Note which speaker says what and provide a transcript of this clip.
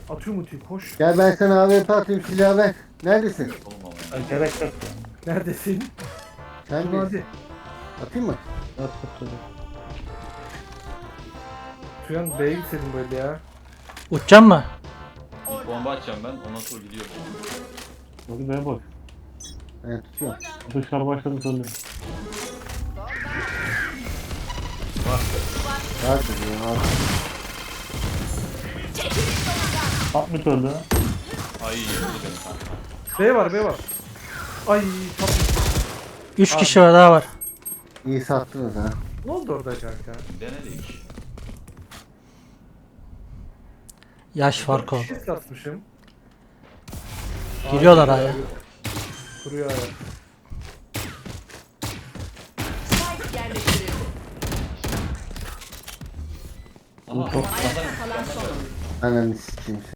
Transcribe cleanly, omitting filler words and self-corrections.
Speaker 1: Atıyorum ultiyi koş.
Speaker 2: Gel ben sana AWP atayım, silahı ver. Neredesin?
Speaker 3: Oğlum ama.
Speaker 4: Ay, gerek yok.
Speaker 1: Neredesin?
Speaker 2: Sen
Speaker 1: Dur
Speaker 2: de
Speaker 1: hadi.
Speaker 2: atayım mı?
Speaker 4: At tutalım.
Speaker 1: Tuyan B'ye gitseydin böyle ya.
Speaker 5: Uçacağım mı?
Speaker 3: Bir bomba atacağım ben. Ondan sonra gidiyorum.
Speaker 4: Hadi be boş.
Speaker 2: Ben tutuyorum.
Speaker 4: Dışarı başladı söylüyor.
Speaker 2: Rahat ol ya. Rahat.
Speaker 4: 60 öldü.
Speaker 3: Ay vurdu beni kanka.
Speaker 1: B var B var. Ay tatlı.
Speaker 5: 3 kişi var daha var.
Speaker 2: İyi sattınız ha.
Speaker 1: Ne oldu orada kanka?
Speaker 3: Denedik.
Speaker 5: Yaş farkı oldu.
Speaker 1: Bir şey satmışım.
Speaker 5: Giriyorlar aya.
Speaker 1: Kuruyor aya.
Speaker 6: Spike yerleştirildi.
Speaker 3: Aha.
Speaker 6: Ayakta kalan son oyuncu.
Speaker 2: Ananı sikeyim.